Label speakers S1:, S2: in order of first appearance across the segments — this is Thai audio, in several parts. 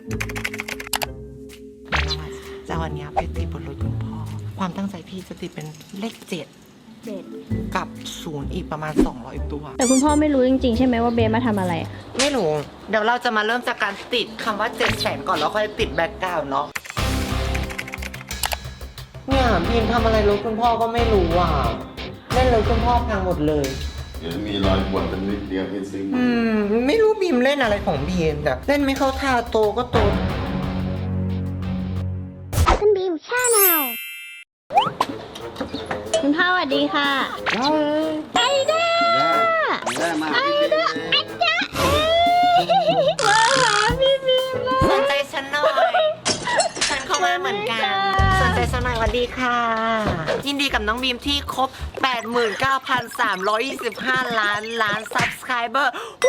S1: จะวันนี้ไปติดบนรถคุณพ่อความตั้งใจพี่จะติดเป็นเลข7กับ0อีกประมาณ200ตัว
S2: แต่คุณพ่อไม่รู้จริงๆใช่ไหมว่าเบสมาทำอะไร
S1: ไม่รู้เดี๋ยวเราจะมาเริ่มจากการติดคำว่า700,000ก่อนแล้วค่อยติดแบ็คกราวด์เนาะเนี่ยพิมทำอะไรรถคุณพ่อก็ไม่รู้อ่ะเล่นรถคุณพ่อพังหมดเลย
S3: มีรอยบวชเป็นนิดเดียวที่ซิง
S1: ไม่รู้บีมเล่นอะไรของบีมแบบเล่นไม่เข้าท่าโตก็โต
S2: คุณบีมชาแนลคุณพ่อสวัสดีค่ะไอเด้ไอเด้มาหาพี่บีมเลย
S1: สนใจฉันหน่อยฉันเข้ามาเหมือนกันสนใจฉันหน่อยสวัสดีค่ะยินดีกับน้องบีมที่ครบ 89,325 ล้าน Subscriber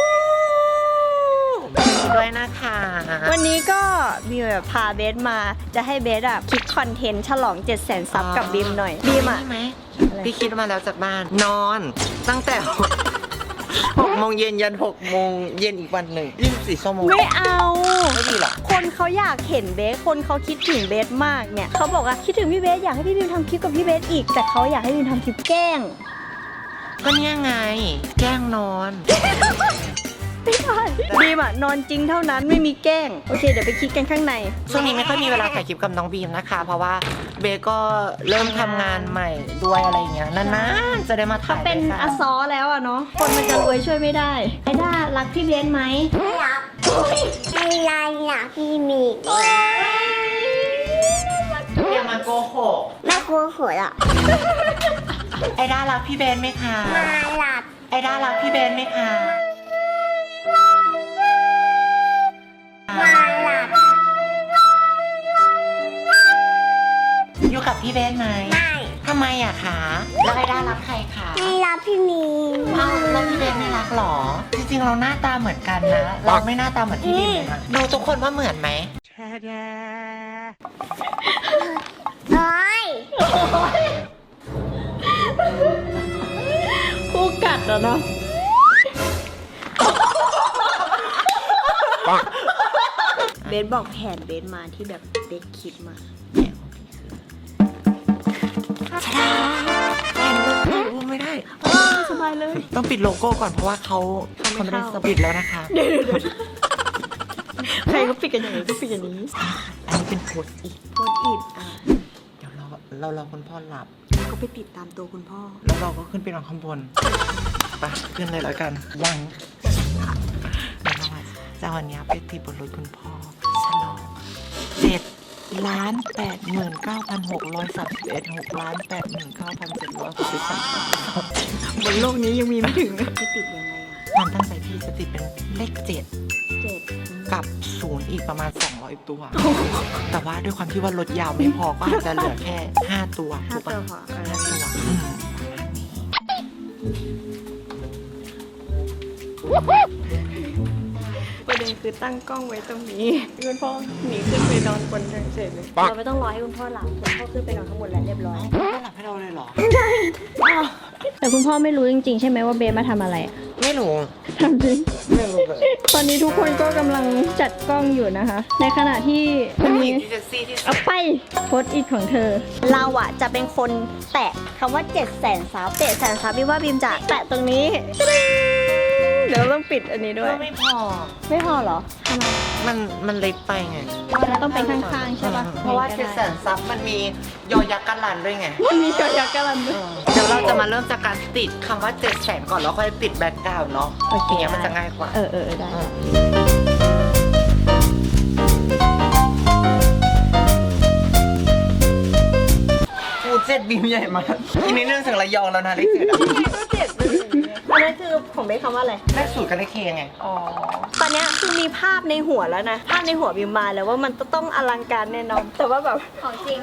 S1: ด้วยนะคะ
S2: วันนี้ก็บีมแบบพาเบสมาจะให้เบสอะคิดคอนเทนต์ฉลอง700,000 ซับกับบีมหน่อยบีมอะ
S1: พี่คิดมาแล้วจากบ้านนอนตั้งแต่6 โมงเย็นยัน6 โมงเย็นอีกวันหนึ่ง24 ชั่วโมง
S2: ไม่เอา
S1: ไม่ดีหรอ
S2: คนเขาอยากเห็นเบสคนเขาคิดถึงเบสมากเนี่ยเขาบอกว่าคิดถึงพี่เบสอยากให้พี่บีมทำคลิปกับพี่เบสอีกแต่เขาอยากให้บีมทำคลิปแกล้ง
S1: ก็เนี่ยไงแกล้งนอน
S2: ไม่ใช่บีมอะนอนจริงเท่านั้นไม่มีแกล้งโอเคเดี๋ยวไปคิดกันข้างใน
S1: ช่วงนี้ไม่ค่อยมีเวลาถ่ายคลิปกับน้องบีมนะคะเพราะว่าเบก็เริ่มทำงานใหม่ด้วยอะไรเงี้ยนานๆจะได้มาถ่าย
S2: เป็นอซอแล้วอะเนาะคนมันจะรวยช่วยไม่ได้ไอด้ารักพี่เบสไหม
S4: รักไม่รักพี่มี
S1: อย่ามาโกหก
S4: ไม่กลัวหัวหรอก
S1: ไอด้ารักพี่เบสไหมคะ
S4: มาหลับ
S1: ไอด้ารักพี่เบสไหมคะ
S4: มาหลับ
S1: อยู่กับพี่เบสไหม
S4: ไม่
S1: ทำไมอะคะแล้วไอด้ารักใครคะ
S4: ไม่รักพี่มี
S1: แล้วพี่เบสไม่รักหรอจริงๆเราหน้าตาเหมือนกันนะเราไม่หน้าตาเหมือนพี่บีมเลยนะดูทุกคนว่าเหมือนไหม
S4: โอ้ย
S2: คู่กัดเหรอเนาะเบสบอกแผนเบสมาที่แบบเบสคิดมา
S1: ไม่ได้
S2: สบายเลย
S1: ต้องปิดโลโก้ก่อนเพราะว่าเขาไม่ได้ปิดแล้วนะคะ
S2: เดี๋ยวใครก็ปิดกันอย่างนี้ก็ปิดอย่างนี้
S1: อันนี้เป็นโพสต์อีกเดี๋ยวเรารอคุณพ่อหลับ
S2: ก็ไปติดตามตัวคุณพ่อ
S1: แล้วเราก็ขึ้นไปนอนข้างบนไปขึ้นเลยแล้วกันยังจะวันนี้ไปติดบนรถคุณพ่อฉลอง7,89,631 6,89,763
S2: บนโลกนี้ยังมีไม่ถึงจะติดยังไง
S1: ความตั้งใจพี่จะติดเป็นเลข7กับ0อีกประมาณ200ตัวแต่ว่าด้วยความที่ว่ารถยาวไม่พอก็อาจจะเหลือแค่5ตัวถูกปะ5 ตัว
S2: ประเด็นคือตั้งกล้องไว้ตรงนี้คุณพ่อหนีขึ้นไปนอนบนเฉยเลยเราไม่ต้องรอให้คุณพ่อหลับคุณพ่อขึ้นไปนอนข้างบนแล้วเรียบร้อย
S1: คุณพ่อหลับให้เราเลยเหรอ
S2: ใช่แต่คุณพ่อไม่รู้จริงๆใช่ไหมว่าเบสมาทำอะไร
S1: ไม่รู้
S2: ทำจริง
S1: ไม่รู้เลย
S2: ตอนนี้ทุกคนก็กำลังจัดกล้องอยู่นะคะในขณะที่คนนี้เอาไปโพสต์อีกของเธอเราอะจะเป็นคนแตะคำว่า700,000 ซับ700,000 ซับพี่ว่าบีมจะแตะตรงนี้เดี๋ยวต้องปิดอันนี้ด้วย
S1: ไม่พอ
S2: เหรอทำไม
S1: มันเล็กไปไง
S2: แล้วต้องเป็นข้างๆใช่ปะ
S1: เพราะว่า700,000 ซับมันมียอยักษ์กันลันด้วยไง
S2: มียอยักษ์กันลันด้วย
S1: เดี๋ยวเราจะมาเริ่มจากการติดคำว่า700,000ก่อนแล้วค่อยติดแบ็คกราวด์เนาะอย่างเงี้ยมันจะง่ายกว่า
S2: ได้
S1: 7บีมใหญ่มากทีนี้เรื่องถึงระยองแล้วนะเลข7
S2: ก็7อันนั้นคือผมไม่คำว่าอะไร
S1: เลข0กับเลขเคไง
S2: ตอนนี้คือมีภาพในหัวแล้วนะภาพในหัวบีมมาแล้วว่ามันต้องอลังการแน่นอนแต่ว่าแบบของจริง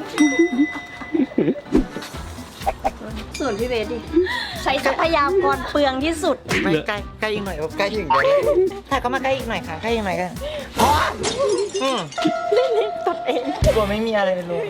S2: ส่วนพี่เบสดิใช้ทรัพยากรเปลืองที่สุด
S1: ไม่ใกล้อีกหน่อยใกล้อีกหน่อยถ้าก็มาใกล้อีกหน่อยค่ะใกล้อีกหน่อยกัน
S2: เล่นตัดเอง
S1: กลัวไม่มีอะไรเลย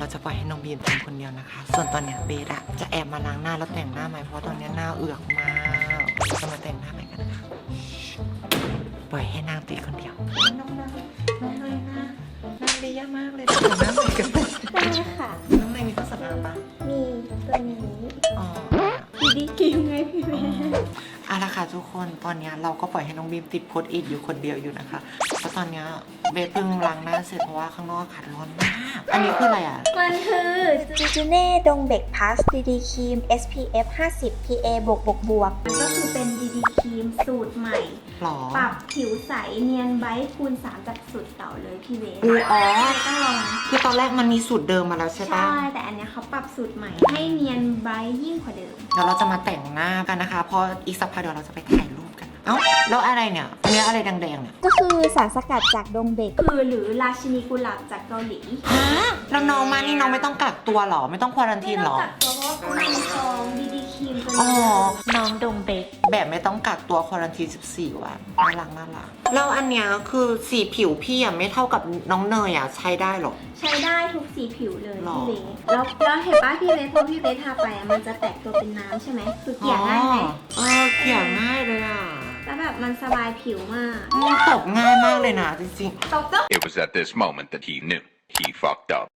S1: จะปล่อยให้น้องบีมทำคนเดียวนะคะ ส่วนตอนเนี้ยเบสอะจะแอบมาล้างหน้าแล้วแต่งหน้าใหม่เพราะตอนเนี้ยหน้าเอือกมากเราจะมาแต่งหน้าใหม่กันนะคะปล่อยให้นางตีคนเดียวน้องเลยนะนางดียากมากเลยแต่งหน้าใหม่กัน
S2: ได้ค่ะ
S1: น้องเลยมีเครื่องสำอางปะ
S2: มีตัวนี้
S1: อ๋อ
S2: ดีเกมไงพี่เบส
S1: เอาละค่ะทุกคนตอนนี้เราก็ปล่อยให้น้องบีมติดโพสต์อิทอยู่คนเดียวอยู่นะคะเพราะตอนนี้เบสเพิ่งล้างหน้าเสร็จเพราะว่าข้างนอกอากาศร้อนมากอันนี้คืออะไรอ่ะ
S2: มันคือจูจูเน่ดงเบกพลัสดีดีครีม SPF 50 PA บวกมันก็คือเป็นดีดีครีมสูตรใหม่
S1: หรอ
S2: ปรับผิวใสเนียนไบท์คูณ 3 จากสูตรเก่าเลยพี่เบส
S1: อ๋อ
S2: ต้องลอง
S1: คือตอนแรกมันมีสูตรเดิมมาแล้วใช่ปะ
S2: ใช่ แต่อันเนี้ยเขาปรับสูตรใหม่ให้เนียนไบท์ยิ่งกว่าเดิม
S1: เดี๋ยวเราจะมาแต่งหน้ากันนะคะเพราะอีกสักพักเดี๋ยวเราจะไปถ่ายรูปกันเอ้าแล้วอะไรเนี่ยอันนี้อะไรแดงๆเนี่ย
S2: ก็คือสารสกัดจากดงเบกหรือราชินีกุหลาบจากเกาหลี
S1: ฮะแล้วน้องมานี่น้องไม่ต้องกักตัวหรอไม่ต้องควอรันทีนหรอ
S2: ไม่ต้องกักตัวเพราะว่าเขานำซองดีดีครีมตัว
S1: อ๋อ
S2: นี้
S1: น้องดงเบกแบบไม่ต้องกักตัวควอรันทีน14 วันน่ารักแล้วอันเนี้ยคือสีผิวพี่อ่ะไม่เท่ากับน้องเนยอ่ะใช้ได้หรอ
S2: ใช้ได้ทุกสีผิวเลย
S1: หรอ
S2: พี่เบสแล้วเห็นป่ะพี่เบสพอพี่เบสทาไปอะมันจะแตกตัวเป็นน้ำใช่ไหมคือเกลี่ยง่ายไหม
S1: เกลี่ยง่ายเลยอ่ะ
S2: แล้วแบบมันสบายผิวมาก
S1: ตบง่ายมากเลยนะจริง
S2: ตกต้อง
S5: It was at this moment that he knew he fucked up.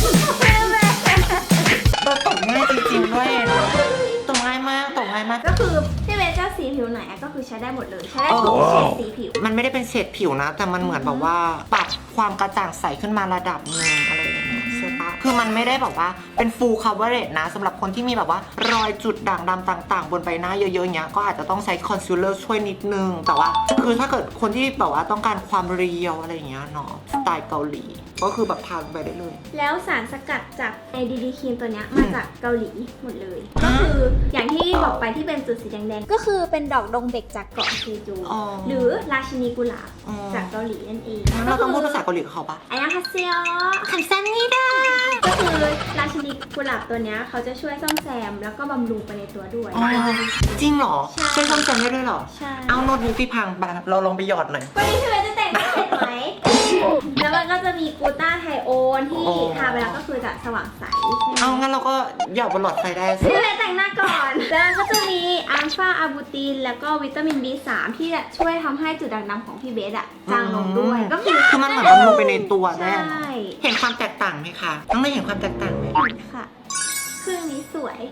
S1: ๆตบง่ายจริงๆด้วยตบง่ายมาก
S2: ก็คือพี่เบสจะสีผิวไหนอะก็คือใช้ได้หมดเลยใช้ได้ทุกสีผิว
S1: มันไม่ได้เป็นเฉดผิวนะ แต่มันเหมือนแบบว่าปรับความกระจ่างใสขึ้นมาระดับหนึงอะไรอย่างเงี้ยใช่ปะคือมันไม่ได้แบบว่าเป็น full coverage นะสำหรับคนที่มีแบบว่ารอยจุดด่างดำต่างๆ บนใบหน้าเยอะๆอย่างเงี้ยก็อาจจะต้องใช้ concealer ช่วยนิดนึง แต่ว่าคือถ้าเกิดคนที่แบบว่าต้องการความเรียวอะไรอย่างเงี้ยเนาะสไตล์เกาหลี ก็คือแบบทาลงไปได้เลย
S2: แล้วสารสกัดจากไอดีดีครีมตัวเนี้ยมาจากเกาหลีหมดเลย ก็คืออย่างที่บอกไปที่เป็นจุดสีแดงๆก็คือเป็นดอกดงเบกจากเกาะเซจู
S1: อ๋อ
S2: หรือราชินีกุหลาบ
S1: อ๋อ
S2: จากเกาหลีนั่นเอง
S1: งั้นเราต้องพูดภาษาเกาหลีกับเขาปะ
S2: อันยังคาเซีย
S1: คำสั้นนี่ได้
S2: ก็คือราชินีกุหลาบตัวเนี้ยเขาจะช่วยซ่อมแซมแล้วก็บำรุงไปในตัวด้วย
S1: อ๋อจริงเหรอ
S2: ใช่
S1: ช่วยซ่อมแซมได้ด้วยเหรอ
S2: ใช่
S1: เอาโน้ตบุ๊กที่พังไปเราลองไปหยอดหน่อย
S2: วันนี้พี่เบสจะแต่งหน้าเสร็จไหม แล้วมันก็จะมีกูต้าไทโอนที่
S1: โอ้
S2: ทาไปแล้วก็คือจะสว่างใส
S1: เอางั้นเราก็หยอดบนหลอดไฟได้สิ
S2: พี่เบสแต่งหน้าก่อน แล้วก็จะมีอัลฟาอาบูตินแล้วก็วิตามิน B3 ที่จะช่วยทำให้จุดด่างดำของพี่เบสอะจางลงด้วย ก็คือ
S1: มันเหมือนบำรุงไปในตัว
S2: ใช
S1: แน่
S2: ่
S1: เห็นความแตกต่างไหมคะน้องได้เห็นความแตกต่างไหม
S2: ค่ะเครื่องนี้สวย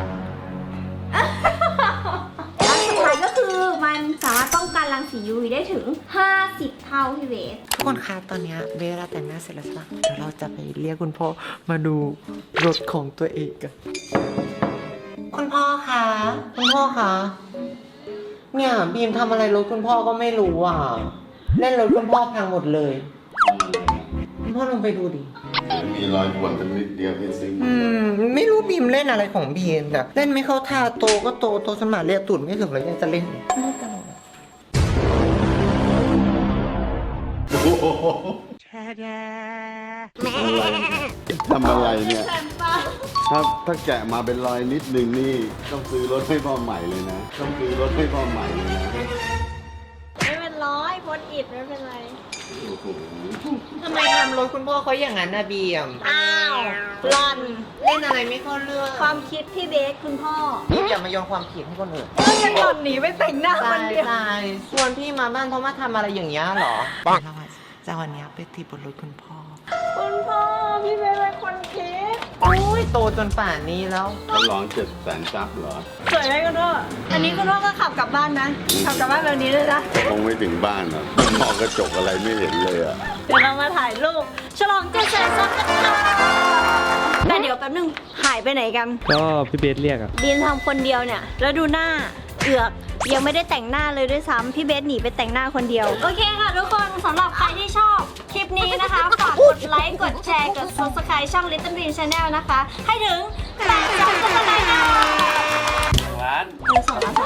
S2: แล้วสุดท้ายก็คือมันสามารถป้องกันรังสี UV ได้ถึง 50 เท่าพี่เบส
S1: ทุกคนคะตอนนี้เบลล่าแต่งหน้าเสร็จแล้วใช่ปะเดี๋ยวเราจะไปเรียกคุณพ่อมาดูรถของตัวเองกันคุณพ่อคะคุณพ่อคะเนี่ยบีมทำอะไรรถคุณพ่อก็ไม่รู้อ่ะเล่นรถคุณพ่อพังหมดเลยคุณพ่อลงไปดูดิ
S3: มีรอยบวนเป็นนิดเดียวเป็นซิง
S1: ไม่รู้บีมเล่นอะไรของบีมแบบเล่นไม่เข้าท่าโตก็โตสมาเรียกตุ่นไม่ถึงแล้วยังจะเล่น
S3: โอ้โหทำอะไรเนี่ยถ้าแกะมาเป็นรอยนิดนึงนี่ต้องซื้อรถให้พ่อใหม่เลยนะ ต้องซื้อรถให้พ่อใหม่เลยนะ
S2: ไม่เป็นร้อยโพสอิดไม่เป็นไร
S3: โอ้โห
S1: ทำไมทำรถคุณพ่อเขาอย่างนั้นนะบีม
S2: อ้าวหลอน
S1: เล่นอะไรไม่เข้าเรื่อง
S2: ความคิดพี่เบสคุณพ่อ
S1: อย่ามาโยนความผิดให้คนอื่น
S2: ก็ยังหล่อนหนีไปแต่งหน้าคนเดียว
S1: ตายชวนพี่มาบ้านเพราะมาทำอะไรอย่างเงี้ยเหรอเราจะวันนี้ไปตีบนรถคุณพ่อ
S2: คุณพ่อพี่เบสเป็นคนคิด
S1: โอ้ยโตจนป่านนี้แล้ว
S3: ฉลอง700,000 ซับเหรอ
S2: สวยไหมคุณพ่ออันนี้คุณพ่อก็ขับกลับบ้านนะขับกลับบ้านแบบนี้เลยนะ
S3: คงไม่ถึงบ้านหรอกมองกระจกอะไรไม่เห็นเลยอ่ะ
S2: เดี๋ยวเรามาถ่ายรูปฉลอง700,000 ซับกันค่ะแต่เดี๋ยวแป๊บนึงหายไปไหนกัน
S6: ก็พี่เบสเรียกอะ
S2: บีมทำคนเดียวเนี่ยแล้วดูหน้าเอือกยังไม่ได้แต่งหน้าเลยด้วยซ้ำพี่เบสหนีไปแต่งหน้าคนเดียวโอเคค่ะทุกคนสำหรับใครที่ชอบคลิปนี้นะคะฝากกดไลค์กดแชร์กด subscribe ช่อง Little Bean Channel นะคะ ให้ถึง8 subscribe ค่ะ2 ล้าน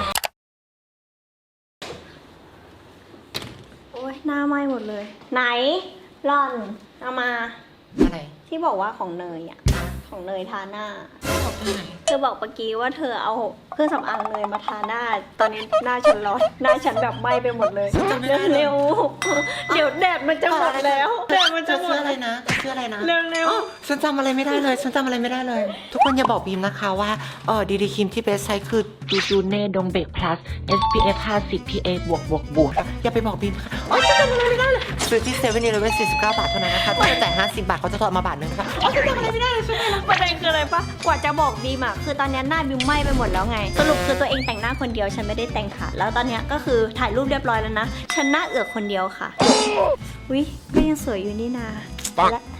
S2: โอ้ยหน้าไหม้หมดเลยไหนร่อนเอามา
S1: อะไร
S2: ที่บอกว่าของเนยอ่ะของเนยทาหน้า
S1: บอกตรงไหน
S2: เธอบอกเมื่อกี้ว่าเธอเอาเครื่องสำอางเนยมาทาหน้า ตอนนี้หน้าฉันร้อน หน้าฉันแบบไหม้ไปหมดเลย เร็วๆเดี๋ยวแดดมันจะหมดแล้วแดดมันจะ
S1: จะ
S2: หม
S1: ซื้
S2: ด
S1: ออะไรนะจะซื้ออะไรนะ
S2: เร็ว
S1: อ๋อฉันจำอะไรไม่ได้เลย ฉันจำอะไรไม่ได้เลย ทุกคนอย่าบอกบีมนะคะว่าดีครีมที่เบสใช้คือดูเน่ดงเบก plus SPF 50 PA บวกอย่าไปบอกบีมค่ะอ๋อฉันจำอะไรไม่ได้เลยซื้อที่7-Eleven 49 บาทเท่านั้นนะคะต้องจ่าย50 บาทเขาจะทอนมาบาทนึงนะคะอ๋อฉันจำอะไรไม่ได้เลยใช่ไหมล่ะ
S2: ประเด็นคืออะไรปะกว่าจะบอกบีมอะคือตอนนี้หน้าบีมไหม้ไปหมดแล้วไง สรุปคือตัวเองแต่งหน้าคนเดียวฉันไม่ได้แต่งค่ะ แล้วตอนนี้ก็คือถ่ายรูปเรียบร้อยแล้วนะ ฉันหน้าเอือกคนเดียวค่ะวิก็ยังสวยอยู่นี่นาและ